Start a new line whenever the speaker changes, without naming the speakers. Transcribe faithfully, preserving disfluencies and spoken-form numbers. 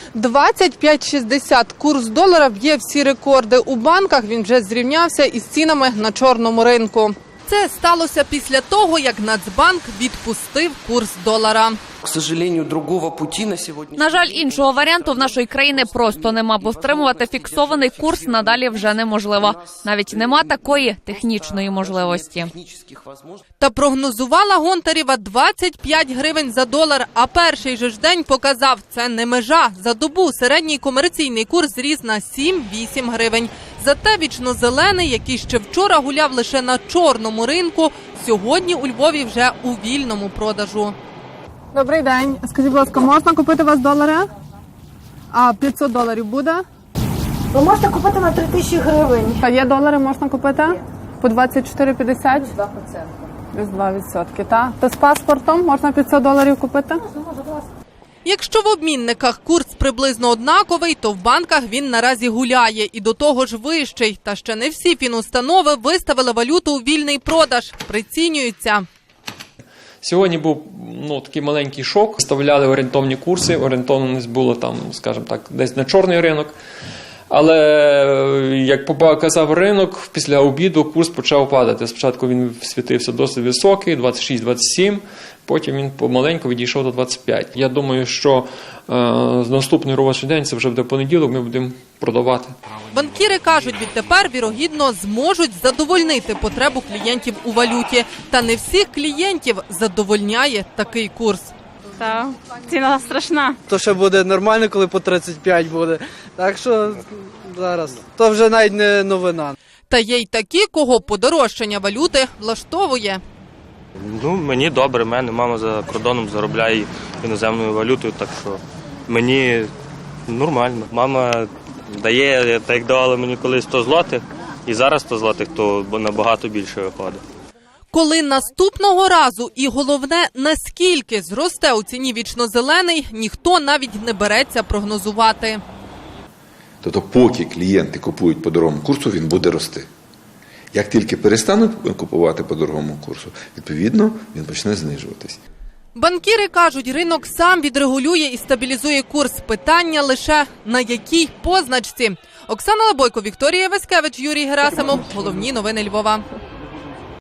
двадцять п'ять шістдесят. Курс долара б'є всі рекорди. У банках він вже зрівнявся із цінами на чорному ринку. Це сталося після того, як Нацбанк відпустив курс долара.
На жаль, іншого варіанту в нашої країни просто нема, бо втримувати фіксований курс надалі вже неможливо. Навіть нема такої технічної можливості.
Та прогнозувала Гонтарєва двадцять п'ять гривень за долар, а перший же ж день показав – це не межа. За добу середній комерційний курс зріс на сім-вісім гривень. Зате вічно-зелений, який ще вчора гуляв лише на чорному ринку, сьогодні у Львові вже у вільному продажу. Добрий день. Скажіть, будь ласка, можна купити у вас долари? А п'ятсот доларів буде?
Ви можете купити на три тисячі гривень.
А є долари можна купити? По двадцять чотири п'ятдесят?
два відсотки.
Плюс два відсотки, так? То з паспортом можна п'ятсот доларів купити?
Можна, можна, будь ласка.
Якщо в обмінниках курс приблизно однаковий, то в банках він наразі гуляє і до того ж вищий. Та ще не всі фінустанови виставили валюту у вільний продаж. Прицінюються.
Сьогодні був ну, такий маленький шок. Виставляли орієнтовні курси, орієнтовність було там, скажімо так, десь на чорний ринок. Але, як показав ринок, після обіду курс почав падати. Спочатку він світився досить високий, двадцять шість - двадцять сім, потім він помаленьку відійшов до двадцять п'ять. Я думаю, що е, з наступний робочий день, це вже буде понеділок, ми будемо продавати.
Банкіри кажуть, відтепер, вірогідно, зможуть задовольнити потребу клієнтів у валюті. Та не всіх клієнтів задовольняє такий курс.
Так, ціна страшна.
То ще буде нормально, коли по тридцять п'ять буде. Так що зараз, то вже навіть не новина.
Та є й такі, кого подорожчання валюти влаштовує.
Ну, мені добре, мене мама за кордоном заробляє іноземною валютою, так що мені нормально. Мама дає, так як давала мені колись сто злотих, і зараз сто злотих, то набагато більше виходить.
Коли наступного разу і головне, наскільки зросте у ціні вічно-зелений, ніхто навіть не береться прогнозувати.
Тобто поки клієнти купують по дорогому курсу, він буде рости. Як тільки перестануть купувати по дорогому курсу, відповідно, він почне знижуватись.
Банкіри кажуть, ринок сам відрегулює і стабілізує курс. Питання лише на якій позначці. Оксана Лабойко, Вікторія Васькевич, Юрій Герасимов. Головні новини Львова.